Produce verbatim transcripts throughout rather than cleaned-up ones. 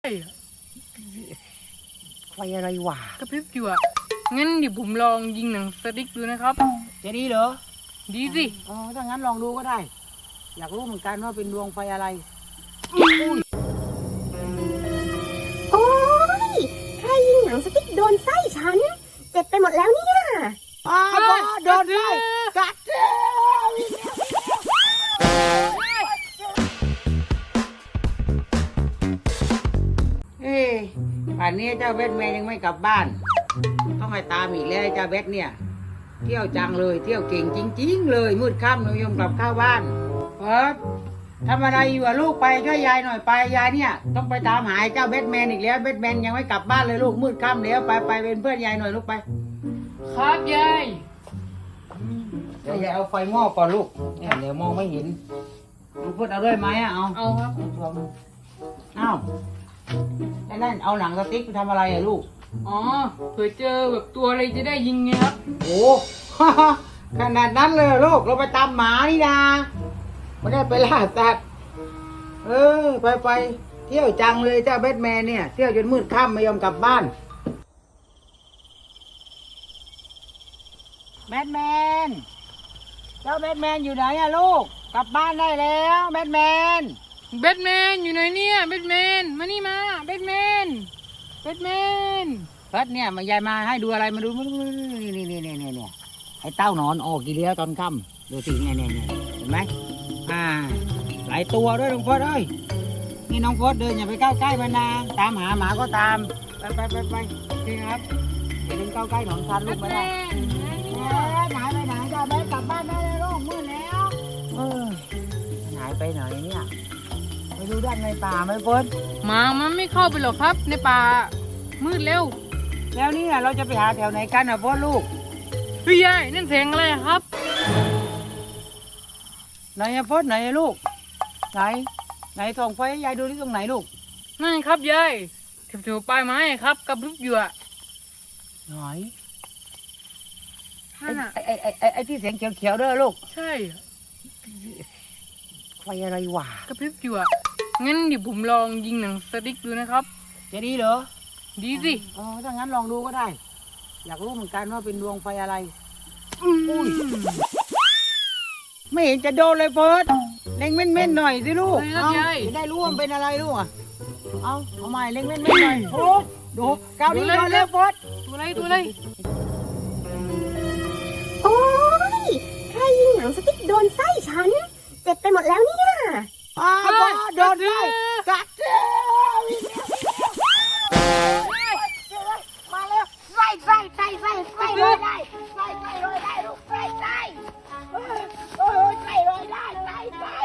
ไฟอะไรวะกระพริบอยู่อ่ะงั้นเดี๋ยวผมลองยิงหนังสติ๊กดูนะครับจะดีเหรอดีสิอ๋อถ้างั้นลองดูก็ได้อยากรู้เหมือนกันว่าเป็นดวงไฟอะไรโอ้ยใครยิงหนังสติ๊กโดนไส้ฉันเจ็บไปหมดแล้วเนี่ยอ้าวโดนไส้กัดเฮ้ยป่านนี้เจ้าเบสแมนยังไม่กลับบ้านต้องให้ตามอีกแล้วเจ้าเบสเนี่ยเที่ยวจังเลยเที่ยวเก่งจริงๆเลยมืดค่ำหนูยมกลับเข้าบ้านเพิร์ดทำอะไรอยู่อะลูกไปช่วยยายหน่อยไปยายเนี่ยต้องไปตามหาเจ้าเบสแมนอีกแล้วเบสแมนยังไม่กลับบ้านเลยลูกมืดค่ำแล้วไปไปเป็นเพื่อนยายหน่อยลูกไปครับยายเดี๋ยวยายเอาไฟหม้อก่อนลูกเนี่ยเดี๋ยวมองไม่เห็นลูกพูดเอาด้วยไหมอะเอาเอาครับเอาไอ้นั่นเอาหนังสติ๊กไปทำอะไรอะลูกอ๋อเผื่อเจอแบบตัวอะไรจะได้ยิงไงครับโอ้ขนาดนั้นเลยลูกเราไปตามหมานี่นาไม่ได้ไปล่าสัตว์เออไปไปเที่ยวจังเลยเจ้าแบทแมนเนี่ยเที่ยวจนมืดค่ำไม่ยอมกลับบ้านแบทแมนเจ้าแบทแมนอยู่ไหนอะลูกกลับบ้านได้แล้วแบทแมนแบทแมนอยู่ไหนเนี่ยแบทแมนมานี่มาแบทแมนแบทแมนเพิร์ดเนี่ยมายายมาให้ดูอะไรมาดูนี่นี่นี่นี่นี่นี่ไอ้เต้านอนออกกี่เลี้ยวตอนค่ำดูสิเนี่ยเนี่ยเนี่ยเห็นไหมอ่าหลายตัวด้วยน้องเพิร์ดเอ้ยนี่น้องเพิร์ดเดินอย่าไปใกล้ใกล้มันนะตามหาหมาก็ตามไปไปไปไปนี่ครับอย่าเดินเข้าใกล้หนอนคันลูกไม่ได้หายไปไหนเจ้าแม่กลับบ้านได้เลยลูกมืดแล้วเออหายไปไหนเนี่ยไปดูด้านในป่าไหมเพิร์ดหมามันไม่เข้าไปหรอกครับในป่ามืดเร็วแล้วนี่เราจะไปหาแถวไหนกันอ่ะพ่อลูกพี่ยายนั่นเสียงอะไรครับไหนอะพ่อไหนอะลูกไหนไหนส่องไฟให้ยายดูที่ตรงไหนลูกนั่นครับยายแถวๆปลายไม้ครับกระพริบอยู่อะไหนไอ้ไอ้ไอ้ไอ้ที่เสียงเขียวๆด้วยลูกใช่ไฟอะไรวะกระพริบอยู่อะงั้นเดี๋ยวผมลองยิงหนังสติ๊กดูนะครับจะดีเหรอดีสิอ๋อถ้างั้นลองดูก็ได้อยากรู้เหมือนกันว่าเป็นดวงไฟอะไรไม่เห็นจะโดนเลยเฟิร์สเล็งเม่นๆหน่อยสิลูกเอาจะได้รู้ว่าเป็นอะไรลูกอ่ะเอาเอาใหม่เล็งเม่นๆหน่อยโอ้ดูก้าวนี้โดนเลยเฟิร์สตัวอะไรตัวอะไรโอ้ยใครยิงหนังสติ๊กโดนไส้ฉันเจ็บไปหมดแล้วเนี่ยอ้าวโดนไส้กัดมาแล้วไส้ไส้ไส้ไส้ไส้เลยได้ไส้ไส้เลยได้ลูกไส้ไส้โอ้ยไส้เลยได้ไส้ไส้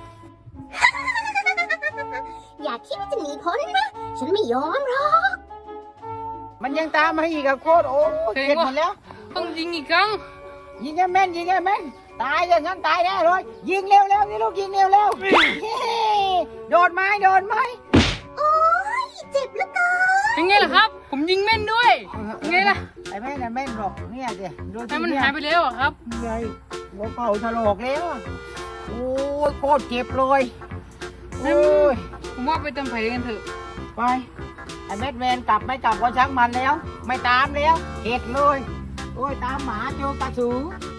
อย่าคิดว่าจะหนีพ้นนะฉันไม่ยอมหรอกมันยังตามมาอีกอะโคตรโอ้เจ็บหมดแล้วต้องยิงอีกครั้งยิงแค่แม่นยิงแค่แม่นตายอย่างนั้นตายแน่เลยยิงเร็วเร็วนี่ลูกยิงเร็วเร็วโดนไหมโดนไหมโอ้ยเจ็บเหลือเกินยังไงล่ะครับผมยิงแม่นด้วยยังไงล่ะไอ้แม่นแม่นหรอกเนี่ยสิดูที่มันหายไปแล้วครับใหญ่หัวเข่าถลอกแล้วโอ้ยโคตรเจ็บเลยโอ้ยผมว่าไปเติมไฟกันเถอะไปไอ้แมดแมนกลับไม่กลับก็ช่างมันแล้วไม่ตามแล้วเข็ดเลยโอ้ยตามหมาเจอกระสือ